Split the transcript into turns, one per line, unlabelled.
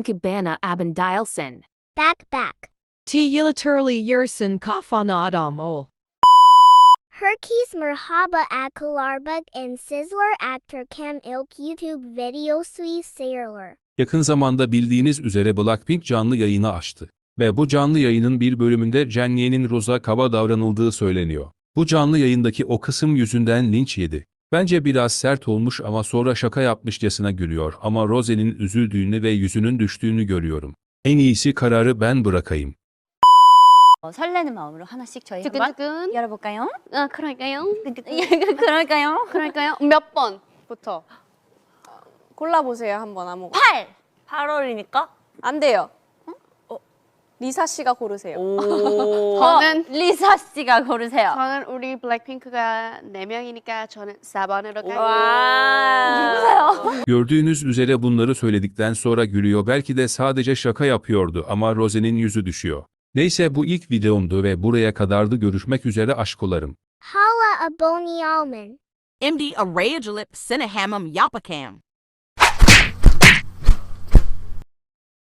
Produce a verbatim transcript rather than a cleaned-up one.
çünkü bana abin değilsin.
Back back.
T yıliterally yersin kafana adam ol.
Herkes merhaba akılarbak and sizler actor Cam ilk YouTube videosu sayılır.
Yakın zamanda bildiğiniz üzere Blackpink canlı yayını açtı. Ve bu canlı yayının bir bölümünde Jennie'nin Rose'a kaba davranıldığı söyleniyor. Bu canlı yayındaki o kısım yüzünden linç yedi. Bence biraz sert olmuş ama sonra şaka yapmışçasına gülüyor ama Rose'nin üzüldüğünü ve yüzünün düştüğünü görüyorum. En iyisi kararı ben bırakayım.
어, 설레는 마음으로 하나씩 저희 한번
두근두근.
열어볼까요?
아, 그럴까요?
그럴까요?
그럴까요? 몇 번부터 골라보세요, 한번 아무거나.
팔!
팔월이니까?
안 돼요. 어, 리사 씨가 고르세요.
오.
저는
리사 씨가 고르세요.
저는 우리 블랙핑크가 네 명이니까 저는 사 번으로 갈게요.
와.
Gördüğünüz üzere bunları söyledikten sonra gülüyor, belki de sadece şaka yapıyordu ama Rose'nin yüzü düşüyor. Neyse, bu ilk videomdu ve buraya kadardı. Görüşmek üzere aşkolarım.
Hala aboni alman.
M D Arayajlip Cinehamum Yapakam.